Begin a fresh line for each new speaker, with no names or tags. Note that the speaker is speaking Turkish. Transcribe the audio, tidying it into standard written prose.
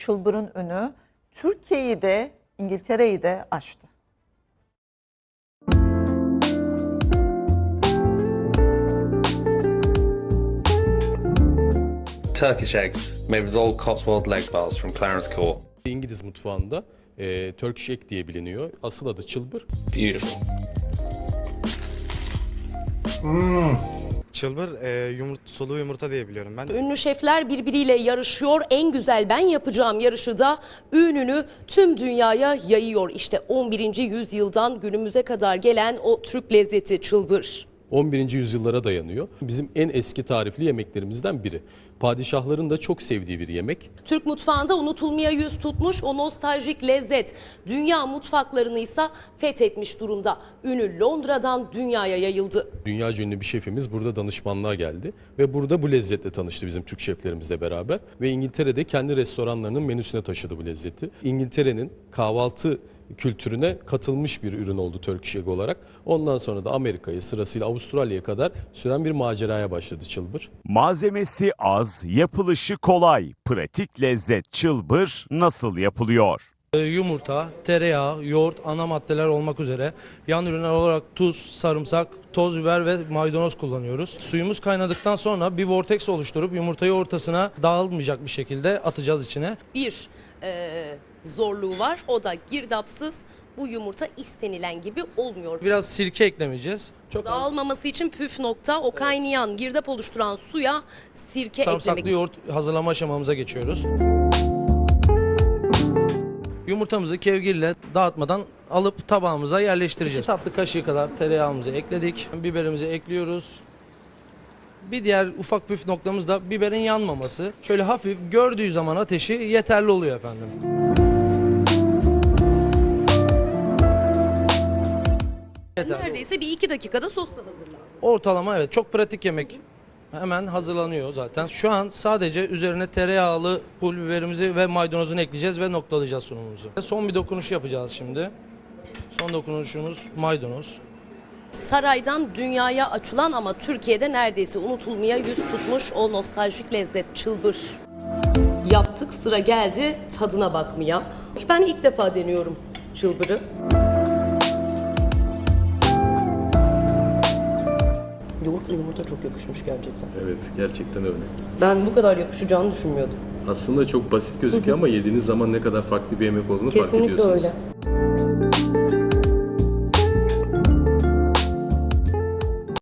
Çılbır'ın önü Türkiye'yi de İngiltere'yi de aştı.
Turkish eggs made with old Cotswold leg bars from Clarence Court.
İngiliz mutfağında Turkish egg diye biliniyor. Asıl adı çılbır.
Beautiful.
Çılbır sulu yumurta diye biliyorum ben.
Ünlü şefler birbiriyle yarışıyor. En güzel ben yapacağım yarışı da ününü tüm dünyaya yayıyor. İşte 11. yüzyıldan günümüze kadar gelen o Türk lezzeti çılbır.
11. yüzyıllara dayanıyor. Bizim en eski tarifli yemeklerimizden biri. Padişahların da çok sevdiği bir yemek.
Türk mutfağında unutulmaya yüz tutmuş o nostaljik lezzet dünya mutfaklarını ise fethetmiş durumda. Ünü Londra'dan dünyaya yayıldı.
Dünyaca ünlü bir şefimiz burada danışmanlığa geldi ve burada bu lezzetle tanıştı bizim Türk şeflerimizle beraber ve İngiltere'de kendi restoranlarının menüsüne taşıdı bu lezzeti. İngiltere'nin kahvaltı kültürüne katılmış bir ürün oldu Turkish Egg olarak. Ondan sonra da Amerika'ya, sırasıyla Avustralya'ya kadar süren bir maceraya başladı çılbır.
Malzemesi az, yapılışı kolay. Pratik lezzet çılbır nasıl yapılıyor?
Yumurta, tereyağı, yoğurt ana maddeler olmak üzere yan ürünler olarak tuz, sarımsak, toz biber ve maydanoz kullanıyoruz. Suyumuz kaynadıktan sonra bir vortex oluşturup yumurtayı ortasına dağılmayacak bir şekilde atacağız içine.
Bir zorluğu var, o da girdapsız bu yumurta istenilen gibi olmuyor.
Biraz sirke eklemeyeceğiz. Çok az
Dağılmaması için püf nokta o kaynayan girdap oluşturan suya sirke
sarımsaklı
eklemek.
yoğurt hazırlama aşamamıza geçiyoruz. Yumurtamızı kevgirle dağıtmadan alıp tabağımıza yerleştireceğiz. Tatlı kaşığı kadar tereyağımızı ekledik. Biberimizi ekliyoruz. Bir diğer ufak püf noktamız da biberin yanmaması. Şöyle hafif gördüğü zaman ateşi yeterli oluyor efendim.
Neredeyse bir 2 dakikada sos da hazırlandı.
Ortalama evet çok pratik yemek. Hemen hazırlanıyor zaten. Şu an sadece üzerine tereyağlı pul biberimizi ve maydanozunu ekleyeceğiz ve noktalayacağız sunumumuzu. Son bir dokunuş yapacağız şimdi. Son dokunuşumuz maydanoz.
Saraydan dünyaya açılan ama Türkiye'de neredeyse unutulmaya yüz tutmuş o nostaljik lezzet çılbır. Yaptık, sıra geldi tadına bakmaya. Ben ilk defa deniyorum çılbırı. Yoğurtla yumurta çok yakışmış gerçekten.
Evet, gerçekten öyle.
Ben bu kadar yakışacağını düşünmüyordum.
Aslında çok basit gözüküyor ama yediğiniz zaman ne kadar farklı bir yemek olduğunu fark
Kesinlikle
ediyorsunuz.
öyle.